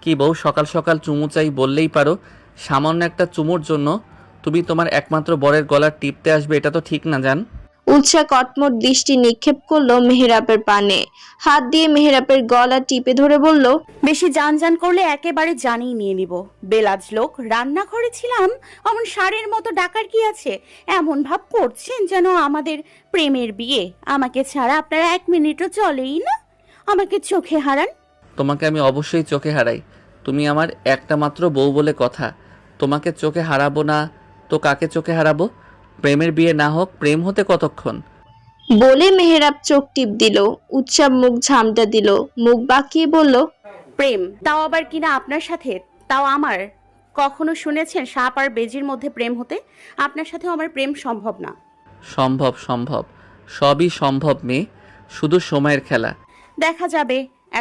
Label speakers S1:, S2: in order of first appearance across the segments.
S1: কি বউ, সকাল সকাল চুমু চাই বললেই পারো। সামান্য একটা চুমুর জন্য তুমি তোমার একমাত্র বরের গলা টিপতে আসবে, এটা তো ঠিক না জান।
S2: উৎসা কটমট দৃষ্টি নিক্ষেপ করলো মেহেরাবের পানে, হাত দিয়ে মেহেরাবের গলা টিপে ধরে বলল,
S3: বেশি জান করলে একেবারে জানিয়ে নিয়ে নিব। বেলাজ লোক, রান্নাঘরে ছিলাম, অমন ষাঁড়ের মতো ডাকার কি আছে? এমন ভাব করছেন যেন আমাদের প্রেমের বিয়ে। আমাকে ছাড়া আপনারা 1 মিনিটও চলেই না। আমাকে চোখে হারান।
S1: তোমাকে আমি অবশ্যই চোখে হারাই, তুমি আমার একটা মাত্র বউ বলে কথা। তোমাকে চোখে হারাবো না তো কাকে চোখে হারাবো? প্রেমের বিয়ে না হোক, প্রেম হতে কতক্ষণ?
S2: বলে মেহেরাব চোখ টিপ দিল। উৎসা মুখ ঝামটা দিল, মুখ বাঁকিয়ে বলল,
S3: প্রেম, তাও আবার কিনা আপনার সাথে, তাও আমার। কখনো শুনেছেন সাপ আর বেজির মধ্যে প্রেম হতে? আপনার সাথেও আমার প্রেম সম্ভব না।
S1: সম্ভব সম্ভব, সবই সম্ভব মেয়ে, শুধু সময়ের খেলা।
S3: দেখা যাবে।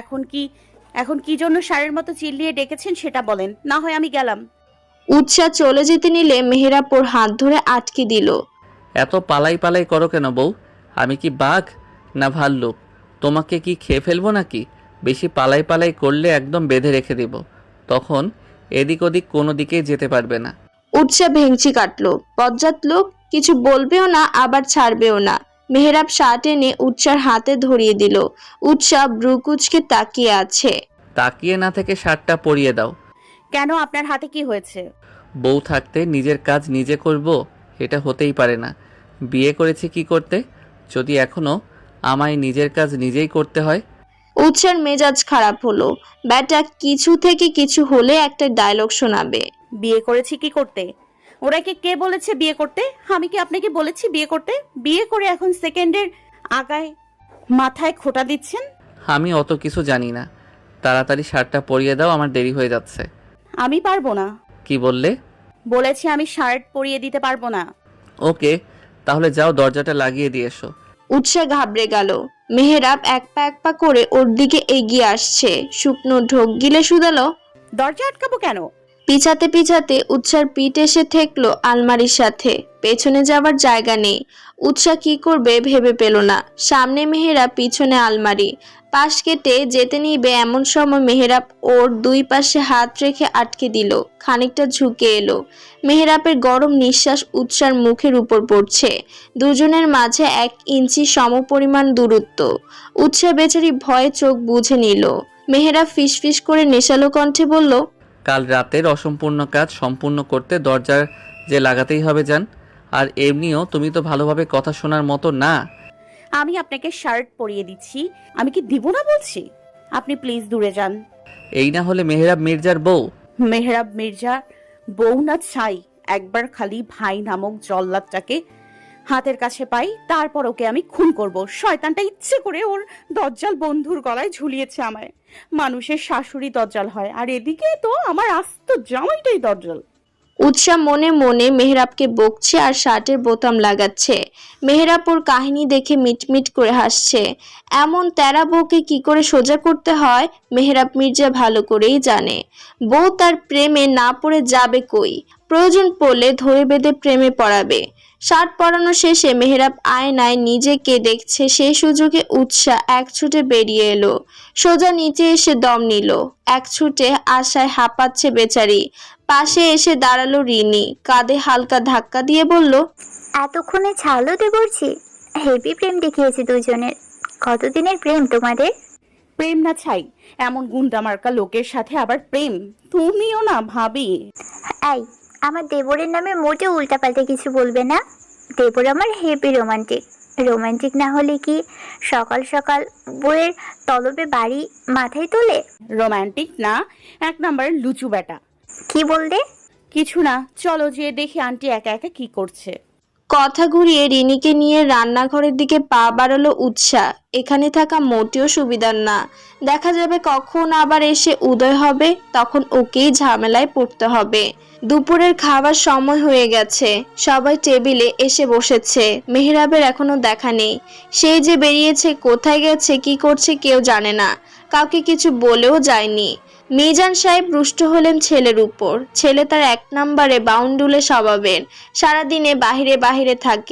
S3: এখন কি জন্য ষাঁড়ের মতো চিল্লিয়ে ডেকেছেন সেটা বলেন, না হয় আমি গেলাম।
S2: উৎসা চলে যেতে নিলে মেহেরাব ওর হাত ধরে আটকে দিল।
S1: এত পালাই পালাই করো কেন বউ? আমি কি বাঘ না ভাল্লুক? তোমাকে কি খেয়ে ফেলবো নাকি? বেশি পালাই পালাই করলে একদম বেঁধে রেখে দেব, তখন এদিক ওদিক কোনো দিকেই যেতে পারবে না।
S2: উৎসা ভেংচি কাটলো। বজ্জাত লোক, কিছু বলবেও না আবার ছাড়বেও না। মেহেরাব শার্ট এনে উৎসার হাতে ধরিয়ে দিল। উৎসা ব্রুকুচকে তাকিয়ে আছে।
S1: তাকিয়ে না থেকে শার্টটা পরিয়ে দাও।
S3: কেন, আপনার হাতে কি হয়েছে?
S1: বউ থাকতে নিজের কাজ নিজে করব, এটা হতেই পারে না। বিয়ে করেছি কি করতে, যদি এখনো আমায় নিজের কাজ নিজেই করতে হয়?
S2: উৎসার মেজাজ খারাপ হলো। ব্যাটা কিছু থেকে কিছু হলে একটা ডায়লগ শোনাবে।
S3: বিয়ে করেছি কি করতে? ওরাকে কে বলেছে বিয়ে করতে? আমি কি আপনাকে বলেছি বিয়ে করতে? বিয়ে করে এখন সেকেন্ডের আগায় মাথায় খোঁটা দিচ্ছেন।
S1: আমি অত কিছু জানি না, তাড়াতাড়ি শার্টটা পরিয়ে দাও, আমার দেরি হয়ে যাচ্ছে।
S3: আমি পারবো না।
S1: কি বললে?
S3: বলেছি আমি শার্ট পরিয়ে দিতে পারবো না।
S1: ওকে, তাহলে যাও দরজাটা লাগিয়ে দিয়ে এসো।
S2: উৎসা ঘাবড়ে গেল। মেহেরাব এক পা করে ওর দিকে এগিয়ে আসছে। শুকনো ঢোক গিলে শুধালো,
S3: দরজা আটকাবো কেন?
S2: পিছাতে পিছাতে উৎসার পিঠ এসে ঠেকলো আলমারির সাথে। পেছনে যাবার জায়গা নেই। উৎসা কি করবে ভেবে পেল না। সামনে মেহেরাব, পিছনে আলমারি। পাশ কেটে যেতে নিবে এমন সময় মেহেরাব ওর দুই পাশে হাত রেখে আটকে দিল। খানিকটা ঝুঁকে এলো। মেহেরাবের গরম নিঃশ্বাস উৎসার মুখের উপর পড়ছে। দুজনের মাঝে 1 ইঞ্চি সমপরিমাণ দূরত্ব। উৎসা বেচারি ভয়ে চোখ বুজে নিল। মেহেরাব ফিসফিস করে নেশালো কণ্ঠে বলল,
S1: কাল রাতের অসম্পূর্ণ কাজ সম্পূর্ণ করতে দরজার যে লাগাতেই হবে জান। আর এমনিও তুমি তো ভালোভাবে কথা শোনার মতো না।
S3: আমি আপনাকে শার্ট পরিয়ে দিচ্ছি, আমি কি দিব না বলছি? আপনি প্লিজ দূরে যান।
S1: এই না হলে মেহরাব মির্জার বউ?
S3: মেহরাব মির্জা বউ না ছাই। একবার খালি ভাই নামক জল্লাদটাকে হাতের কাছে পাই, তারপর ওকে আমি খুন করব। শয়তানটা ইচ্ছে করে ওর দজ্জাল বন্ধুর গলায় ঝুলিয়েছে আমায়। মানুষের শাশুড়ি দজ্জাল হয়, আর এদিকে তো আমার আস্ত জামাইটাই দজ্জাল।
S2: উৎসা মনে মনে মেহরাবকে বকছে আর শার্টের বোতাম লাগাচ্ছে। মেহরাব ওর কাহিনী দেখে মিটমিট করে হাসছে। এমন তেরা বউকে কি করে সোজা করতে হয় মেহরাব মির্জা ভালো করেই জানে। বউ তার প্রেমে না পড়ে যাবে কই, প্রয়োজন পড়লে ধরে বেঁধে প্রেমে পড়াবে। শার্ট পরানো শেষে মেহরাব আয়নায় নিজেকে দেখছে, সেই সুযোগে উৎসা এক ছুটে বেরিয়ে এলো। সোজা নিচে এসে দম নিল। এক ছুটে আশায় হাঁপাচ্ছে বেচারি। পাশে এসে দাঁড়ালো রিনি, কাঁধে হালকা ধাক্কা দিয়ে বলল,
S4: এতক্ষণে ছাড়লোতে করছি। হেভি প্রেম দেখিয়েছে দুজনের। কতদিনের প্রেম তোমাদের?
S3: প্রেম না ছাই, এমন গুন্ডা মার্কা লোকের সাথে আবার প্রেম? তুমিও না ভাবি।
S4: এই, আমার দেবরের নামে মোটেও উল্টাপাল্টা কিছু বলবে না। দেবর আমার হেভি রোমান্টিক। রোমান্টিক না হলে কি সকাল সকাল বউয়ের তলবে বাড়ি মাথায় তোলে?
S3: রোমান্টিক না, 1 নাম্বার লুচু বেটা।
S4: কি বললে?
S3: কিছু না, চলো যে দেখি আন্টি একা একা কি করছে।
S2: কথা ঘুরিয়ে রিনিকে নিয়ে রান্নাঘরের দিকে পা বাড়ালো উৎসা। এখানে থাকা মোটেও সুবিধার না। দেখা যাবে কখন আবার এসে উদয় হবে, তখন ওকেই ঝামেলায় পড়তে হবে। দুপুরের খাবার সময় হয়ে গেছে। সবাই টেবিলে এসে বসেছে। মেহরাবের এখনো দেখা নেই। সেই যে বেরিয়েছে, কোথায় গেছে, কি করছে কেউ জানে না। কাউকে কিছু বলেও যায়নি। মিজান সাহেব রুষ্ট হলেন ছেলের উপর। ছেলে তার 1 নম্বরে বাউন্ডুলে স্বভাবের, সারাদিনে বাহিরে বাহিরে থাকে।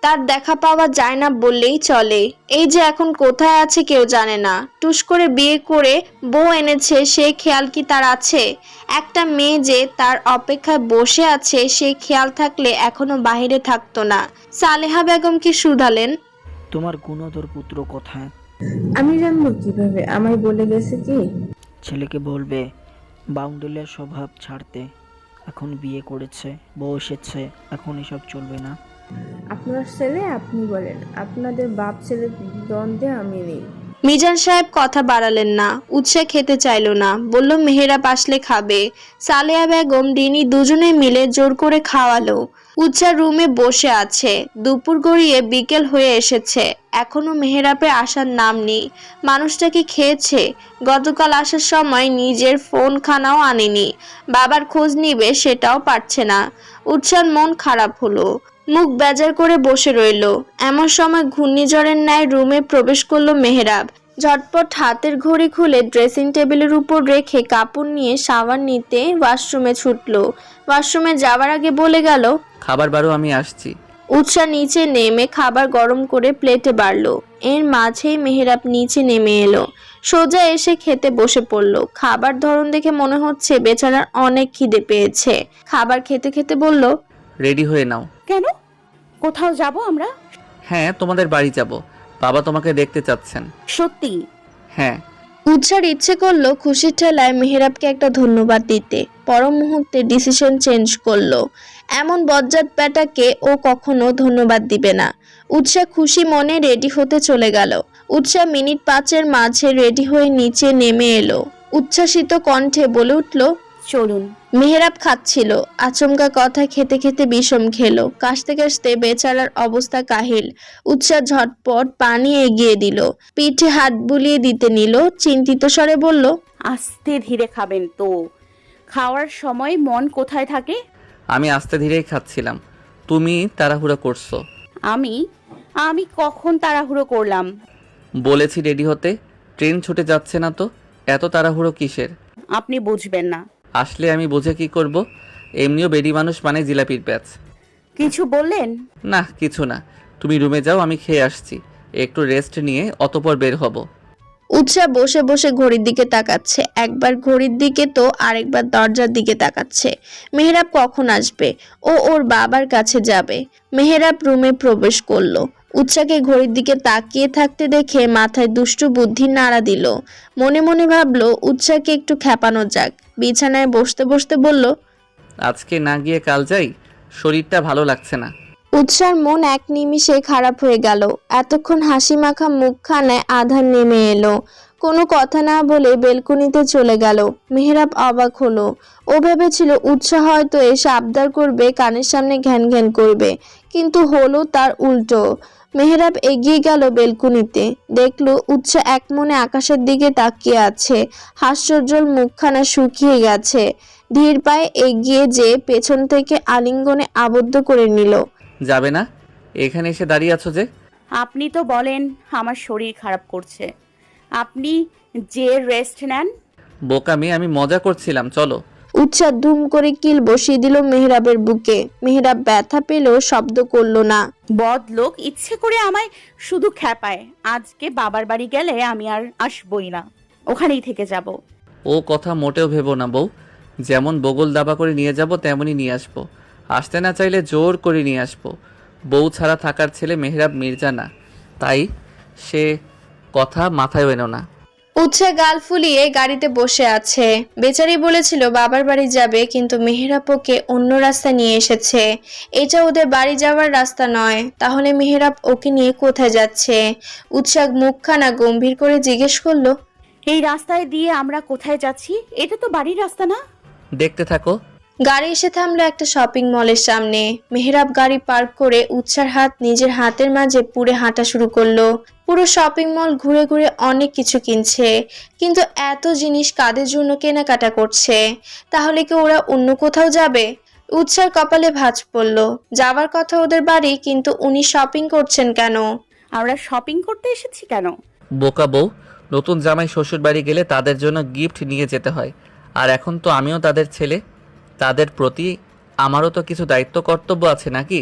S2: তার দেখা পাওয়া যায় না বললেই চলে। এই যে এখন কোথায় আছে কেউ জানে না। টুস করে বিয়ে করে বউ এনেছে, সেই খেয়াল কি তার আছে? একটা মেয়ে যে তার অপেক্ষায় বসে আছে সেই খেয়াল থাকলে এখনো বাহিরে থাকতো না। সালেহা বেগম কি শুধালেন,
S5: তোমার গুণধর পুত্র কোথায়?
S6: আমি জানবো কিভাবে? আমায় বলে গেছে কি?
S5: ছেলেকে বলবে বাউন্ডুলের স্বভাব ছাড়তে। এখন বিয়ে করেছে, বউ এসেছে, এখন এসব চলবে না।
S6: আপনার ছেলে আপনি বলেন, আপনাদের বাপ ছেলে দ্বন্দ্বে আমি নেই।
S2: মিজান সাহেব কথা বাড়ালেন না। উৎসা খেতে চাইলো না, বলল মেহেরাব আসলে খাবে। সালেহা বেগম ডিনি দুজনে মিলে জোর করে খাওয়ালো। উৎসা রুমে বসে আছে। দুপুর গড়িয়ে বিকেল হয়ে এসেছে, এখনো মেহেরাবের আসার নাম নেই। মানুষটা কি খেয়েছে? গতকাল আসার সময় নিজের ফোন খানাও আনেনি, বাবার খোঁজ নিবে সেটাও পারছে না। উৎসার মন খারাপ হলো, মুখ বেজার করে বসে রইল। এমন সময় ঘূর্ণিঝড়ের ন্যায় রুমে প্রবেশ করলো মেহেরাব। ঝটপট হাতের ঘড়ি খুলে ড্রেসিং টেবিলের উপর রেখে কাপড় নিয়ে শাওয়ার নিতে ওয়াশরুমে ছুটলো। ওয়াশরুমে যাওয়ার আগে বলে গেল,
S1: খাবার বারো, আমি আসছি।
S2: উৎসা নিচে নেমে খাবার গরম করে প্লেটে বাড়লো। এর মাঝেই মেহেরাব নিচে নেমে এলো, সোজা এসে খেতে বসে পড়লো। খাবার ধরন দেখে মনে হচ্ছে বেচারার অনেক খিদে পেয়েছে। খাবার খেতে খেতে বলল,
S1: রেডি হয়ে নাও।
S3: কেন? কোথাও যাব আমরা?
S1: হ্যাঁ, তোমাদের বাড়ি যাব, বাবা তোমাকে দেখতে চাচ্ছেন।
S3: সত্যি?
S1: হ্যাঁ।
S2: উৎসার ইচ্ছে করলো খুশির ঠেলায় মেহেরাবকে একটা ধন্যবাদ দিতে। পর মুহূর্তে ডিসিশন চেঞ্জ করলো। এমন বজ্জাত ব্যাটাকে ও কখনো ধন্যবাদ দিবে না। উৎসা খুশি মনে রেডি হতে চলে গেল। উৎসা মিনিট 5-এর মাঝে রেডি হয়ে নিচে নেমে এলো। উচ্ছ্বাসিত কণ্ঠে বলে উঠল,
S3: চলুন।
S2: মেহেরাব খাচ্ছিল, আচমকা কথা খেতে খেতে বিষম খেলো। কাশতে কাশতে বেচারার অবস্থা কাহিল। উৎসাহ ঝটপট পানি এগিয়ে দিল, পিঠে হাত বুলিয়ে দিতে নিল, চিন্তিত স্বরে বলল,
S3: আস্তে ধীরে খাবেন তো। খাওয়ার সময় মন কোথায় থাকে?
S1: আমি আস্তে ধীরেই খাচ্ছিলাম, তুমি তাড়াহুড়ো করছো।
S3: আমি আমি কখন তাড়াহুড়ো করলাম?
S1: বলেছি রেডি হতে, ট্রেন ছুটে যাচ্ছে না তো, এত তাড়াহুড়ো কিসের?
S3: আপনি বুঝবেন না।
S1: আসলে আমি বুঝে কি করব? এমনিও বেডি মানুষ মানে জিলাপির প্যাচ।
S3: কিছু বললেন?
S1: না, কিছু না, তুমি রুমে যাও, আমি খেয়ে আসছি, একটু রেস্ট নিয়ে অতঃপর বের হব।
S2: উৎসাহ বসে বসে ঘড়ির দিকে তাকাচ্ছে, একবার ঘড়ির দিকে তো আরেকবার দরজার দিকে তাকাচ্ছে। মেহেরাব কখন আসবে? ও ওর বাবার কাছে যাবে। মেহেরাব রুমে প্রবেশ করলো। উৎসাকে ঘড়ির দিকে তাকিয়ে থাকতে দেখে মাথায় দুষ্টু বুদ্ধি নাড়া দিল। মনে মনে ভাবলো উৎসাকে একটু খেপানো যাক। বিছানায় বসতে বসতে বলল,
S1: আজকে না গিয়ে কাল যাই, শরীরটা ভালো লাগছে না।
S2: উৎসার মন এক নিমিষে খারাপ হয়ে গেল। এতক্ষণ হাসি মাখা মুখখানায় আধার নেমে এলো। কোনো কথা না বলে বেলকনিতে চলে গেল। মেহেরাব অবাক হলো। ও ভেবেছিল উৎসাহ হয়তো এসে আবদার করবে, কানের সামনে ঘ্যান ঘ্যান করবে, কিন্তু হলো তার উল্টো। মেহেরাব এগিয়ে গেল বেলকনিতে, দেখলো উৎসাহ এক মনে আকাশের দিকে তাকিয়ে আছে। হাস্যোজ্জ্বল মুখখানা শুকিয়ে গেছে। ধীর পায়ে এগিয়ে যেয়ে পেছন থেকে আলিঙ্গনে আবদ্ধ করে নিল।
S1: যাবে না? এখানে এসে দাঁড়িয়ে আছো যে?
S3: আপনি তো বলেন আমার শরীর খারাপ করছে, আপনি যে রেস্ট নেন।
S1: বোকা মেয়ে, আমি মজা করছিলাম, চলো।
S2: উৎসাহ ধুম করে কিল বসিয়ে দিল মেহেরাবের বুকে। মেহেরাব ব্যথা পেলেও শব্দ করলো না।
S3: বদ লোক ইচ্ছে করে আমায় শুধু খ্যাপায়। আজকে বাবার বাড়ি গেলে আমি আর আসবই না, ওখানেই থেকে যাব।
S1: ও কথা মোটেও ভেবো না বউ, যেমন বগল দাবা করে নিয়ে যাব তেমনই নিয়ে আসবো। আসতে না চাইলে জোর করে নিয়ে আসবো। বউ ছাড়া থাকার ছেলে মেহরাব মির্জা না, তাই সে কথা মাথায় এনো না।
S2: উৎসাহ গাল ফুলিয়ে গাড়িতে বসে আছে। বেচারি বলেছিল বাবার বাড়ি যাবে, কিন্তু মেহেরাব ওকে অন্য রাস্তা নিয়ে এসেছে। এটা ওদের বাড়ি যাওয়ার রাস্তা নয়। তাহলে মেহেরাব ওকে নিয়ে কোথায় যাচ্ছে? উৎসাহ মুখখানা গম্ভীর করে জিজ্ঞেস করলো,
S3: এই রাস্তায় দিয়ে আমরা কোথায় যাচ্ছি? এটা তো বাড়ির রাস্তা না।
S1: দেখতে থাকো।
S2: গাড়ি এসে থামলো একটা শপিং মলের সামনে। মেহেরাব গাড়ি পার্ক করে উৎসার হাত নিজের হাতের মাঝে পুরে হাঁটা শুরু করলো। পুরো শপিং মল ঘুরে ঘুরে অনেক কিছু কিনছে, কিন্তু এত জিনিস কাদের জন্য কেনাকাটা করছে? তাহলে কি ওরা অন্য কোথাও যাবে? উৎসার কপালে ভাঁজ পড়লো। যাওয়ার কথা ওদের বাড়ি, কিন্তু উনি শপিং করছেন কেন?
S3: আমরা শপিং করতে এসেছি কেন?
S1: বোকা বউ, নতুন জামাই শ্বশুর বাড়ি গেলে তাদের জন্য গিফট নিয়ে যেতে হয়। আর এখন তো আমিও তাদের ছেলে, তাদের প্রতি আমারও তো কিছু দায়িত্ব কর্তব্য আছে নাকি?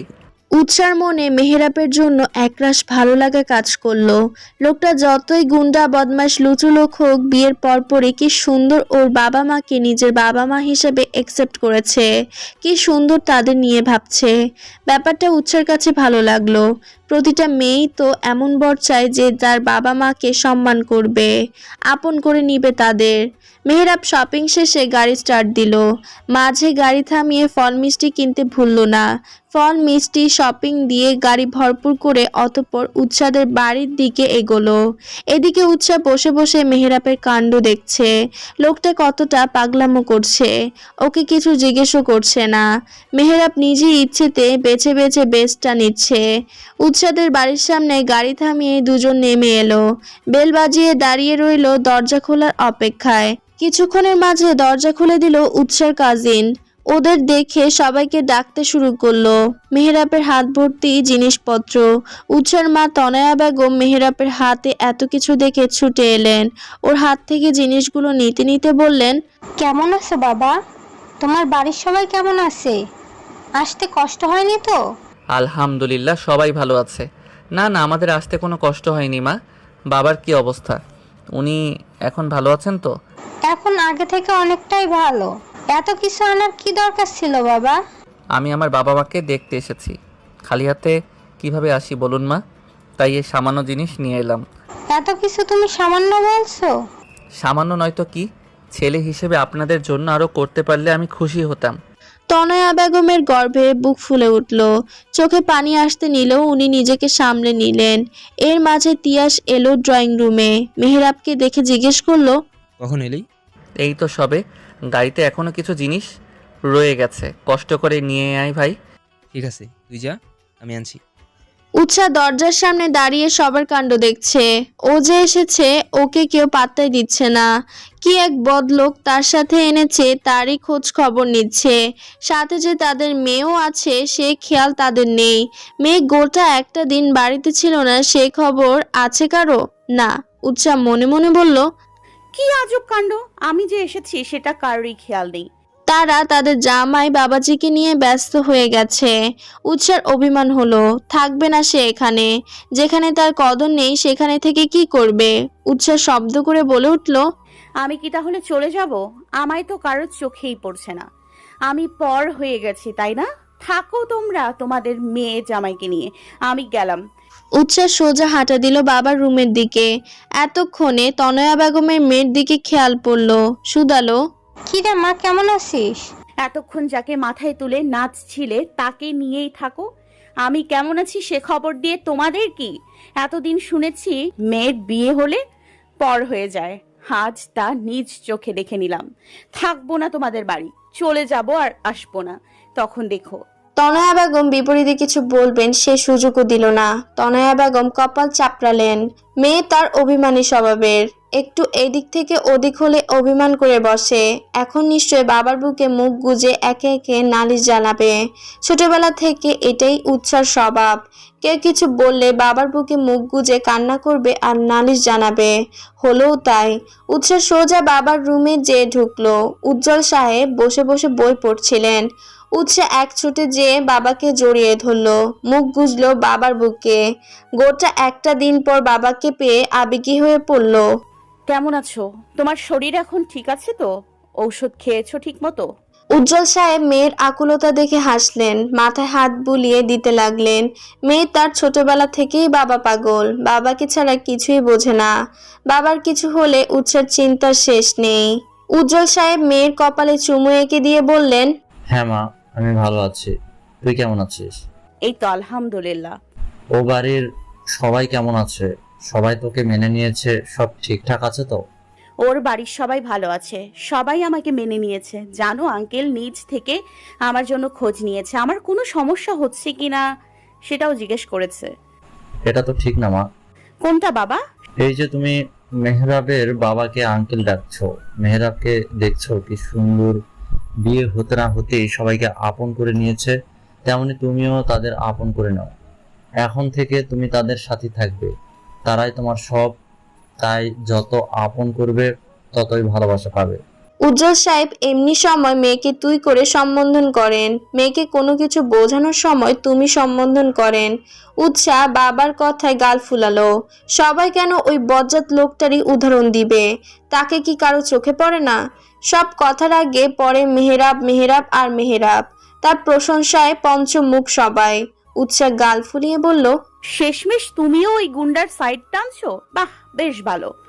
S2: উৎসার মনে মেহেরাবের জন্য একরাশ ভালো লাগা কাজ করলো। লোকটা যতই গুন্ডা বদমাশ লুচু লোক হোক, বিয়ের পরপরই কি সুন্দর ওর বাবা মাকে নিজের বাবা মা হিসেবে একসেপ্ট করেছে, কি সুন্দর তাদের নিয়ে ভাবছে। ব্যাপারটা উৎসার কাছে ভালো লাগলো। প্রতিটা মেয়েই তো এমন বর চায় যে তার বাবা মাকে সম্মান করবে, আপন করে নিবে তাদের। মেহেরাব শপিং শেষে গাড়ি স্টার্ট দিল। মাঝে গাড়ি থামিয়ে ফল মিষ্টি কিনতে ভুলল না। ফল মিষ্টি শপিং দিয়ে গাড়ি ভরপুর করে অতঃপর উৎসাদের বাড়ির দিকে এগোলো। এদিকে উৎসা বসে বসে মেহেরাবের কাণ্ড দেখছে। লোকটা কতটা পাগলামো করছে, ওকে কিছু জিজ্ঞেসও করছে না। মেহেরাব নিজের ইচ্ছেতে বেছে বেছে বেসটা নিচ্ছে। উৎসাদের বাড়ির সামনে গাড়ি থামিয়ে দুজন নেমে এলো। বেল বাজিয়ে দাঁড়িয়ে রইল দরজা খোলার অপেক্ষায়। কিছুক্ষণের মাঝে দরজা খুলে দিল উৎসার কাজিন। ওদের দেখে সবাইকে ডাকতে শুরু করলো। মেহেরাবের হাত ভর্তি জিনিসপত্র। উৎসার মা তনয়া বেগম মেহেরাবের হাতে এত কিছু দেখে ছুটে এলেন। ওর হাত থেকে জিনিসগুলো নিতে নিতে বললেন,
S7: কেমন আছো বাবা? তোমার বাড়ির সবাই কেমন আছে? আসতে কষ্ট হয়নি তো?
S1: আলহামদুলিল্লাহ, সবাই ভালো আছে। না না, আমাদের আসতে কোনো কষ্ট হয়নি মা। বাবার কি অবস্থা? উনি এখন ভালো আছেন তো?
S7: এখন আগে থেকে অনেকটাই ভালো। এত কিছু আনার কি দরকার ছিল বাবা?
S1: আমি আমার বাবা মাকে দেখতে এসেছি। খালি হাতে কিভাবে আসি বলুন মা? তাই এই সামান্য জিনিস নিয়ে এলাম।
S7: এত কিছু তুমি সামান্য বলছো?
S1: সামান্য নয়তো কি, ছেলে হিসেবে আপনাদের জন্য আরও করতে পারলে আমি খুশি হতাম।
S2: তনয়া বেগমের গর্ভে বুক ফুলে উঠল। চোখে পানি আসতে নিলেও উনি নিজেকে সামলে নিলেন। এর মাঝে তিয়াস এলো ড্রয়িং রুমে। মেহেরাবকে দেখে জিজ্ঞেস করলো,
S8: কখন এলি?
S1: এই তো সবে। গাড়িতে এখনো কিছু জিনিস রয়ে গেছে, কষ্ট করে নিয়ে আয় ভাই।
S8: ঠিক আছে, তুই যা, আমি আনছি।
S2: উৎসা দরজার সামনে দাঁড়িয়ে সবার কাণ্ড দেখছে। ও যে এসেছে ওকে কেউ পাত্তাই দিচ্ছে না। কি এক বদলোক তার সাথে এনেছে তারই খোঁজ খবর নিচ্ছে। সাথে যে তাদের মেয়েও আছে সে খেয়াল তাদের নেই। মেয়ে গোটা একটা দিন বাড়িতে ছিল না, সে খবর আছে কারো? না। উৎসা মনে মনে বলল,
S3: কি আজব কাণ্ড, আমি যে এসেছি সেটা কারোরই খেয়াল নেই।
S2: তারা তাদের জামাই বাবাজিকে নিয়ে ব্যস্ত হয়ে গেছে। উৎসার অভিমান হলো, থাকবে না সে এখানে। যেখানে তার কদর নেই সেখানে থেকে কি করবে? উৎসার শব্দ করে বলে উঠল,
S3: আমি কি তাহলে চলে যাব? আমায় তো কারোর চোখেই পড়ছে না। আমি পর হয়ে গেছি, তাই না? থাকো তোমরা তোমাদের মেয়ে জামাইকে নিয়ে, আমি গেলাম।
S2: উৎসার সোজা হাঁটা দিল বাবার রুমের দিকে। এতক্ষণে তনয়া বেগমের মেয়ের দিকে খেয়াল পড়ল। শুধালো,
S7: কি রে মা, কেমন আছিস?
S3: এতক্ষণ যাকে মাথায় তুলে নাচছিলে তাকে নিয়েই থাকো। আমি কেমন আছি সে খবর দিয়ে তোমাদের কি? এতদিন শুনেছি মেয়ের বিয়ে হলে পর হয়ে যায়, আজ তা নিজ চোখে দেখে নিলাম। থাকবো না তোমাদের বাড়ি, চলে যাব আর আসবো না, তখন দেখো।
S2: তনয়া বেগম বিপরীতে কিছু বলবেন সে সুযোগও দিল না। তনয়া বেগম কপাল চাপড়ালেন। মেয়ে তার অভিমানী স্বভাবের, একটু এদিক থেকে ওদিক হলে অভিমান করে বসে। এখন নিশ্চয় বাবার বুকে মুখ গুজে একে একে নালিশ জানাবে। ছোটবেলা থেকে এটাই উৎসার স্বভাব। কেউ কিছু বললে বাবার বুকে মুখ গুজে কান্না করবে আর নালিশ জানাবে। হলোও তাই। উৎসার সোজা বাবার রুমে যেয়ে ঢুকলো। উজ্জ্বল সাহেব বসে বসে বই পড়ছিলেন। উৎসা এক ছুটে যেয়ে বাবাকে জড়িয়ে ধরলো, মুখ গুজলো বাবার বুকে। গোটা একটা দিন পর বাবাকে পেয়ে আবেগী হয়ে পড়ল।
S3: কেমন আছো? তোমার শরীর এখন ঠিক আছে তো? ঔষধ খেয়েছো ঠিক মতো?
S2: উজ্জ্বল সাহেব মেয়ের আকুলতা দেখে হাসলেন, মাথায় হাত বুলিয়ে দিতে লাগলেন। মেয়ে তার ছোটবেলা থেকেই বাবা পাগল, বাবাকে ছাড়া কিছুই বোঝে না। বাবার কিছু হলে উৎসার চিন্তার শেষ নেই। উজ্জ্বল সাহেব মেয়ের কপালে চুমু এঁকে দিয়ে বললেন,
S9: হ্যাঁ মা, আমি ভালো আছি। তুই কেমন আছিস?
S3: এই তো আলহামদুলিল্লাহ।
S9: ও বাড়ির সবাই কেমন আছে? সবাই তোকে মেনে নিয়েছে? সব ঠিকঠাক আছে তো?
S3: ওর বাড়ির সবাই ভালো আছে, সবাই আমাকে মেনে নিয়েছে। জানো আঙ্কেল নিজ থেকে আমার জন্য খোঁজ নিয়েছে, আমার কোনো সমস্যা হচ্ছে কিনা সেটাও জিজ্ঞেস করেছে।
S9: এটা তো ঠিক না মা।
S3: কোনটা বাবা?
S9: এই যে তুমি মেহরাবের বাবাকে আঙ্কেল ডাকছো, মেহরাবকে দেখছো কি সুন্দর, বিয়ে হতে না হতেই সবাইকে আপন করে নিয়েছে। তেমনি তুমিও তাদের আপন করে নাও। এখন থেকে তুমি তাদের সাথে থাকবে, তারাই তোমার সব। তাই যত আপন করবে ততই ভালোবাসা পাবে।
S2: উজ্জ্বল সাহেব এমনি সময় মেয়েকে তুই করে সম্বোধন করেন, মেয়েকে কোনো কিছু বোঝানোর সময় তুমি সম্বোধন করেন। উৎসাহ বাবার কথায় গাল ফুলালো। সবাই কেন ওই বজ্জাত লোকটারই উদাহরণ দিবে? তাকে কি কারো চোখে পড়ে না? সব কথার আগে পড়ে মেহেরাব, মেহেরাব আর মেহেরাব। তার প্রশংসায় পঞ্চমুখ সবাই। উৎসাহ গাল ফুলিয়ে বলল,
S3: শেষমেশ তুমিও ওই গুন্ডার সাইড টানছো, বাহ বেশ ভালো।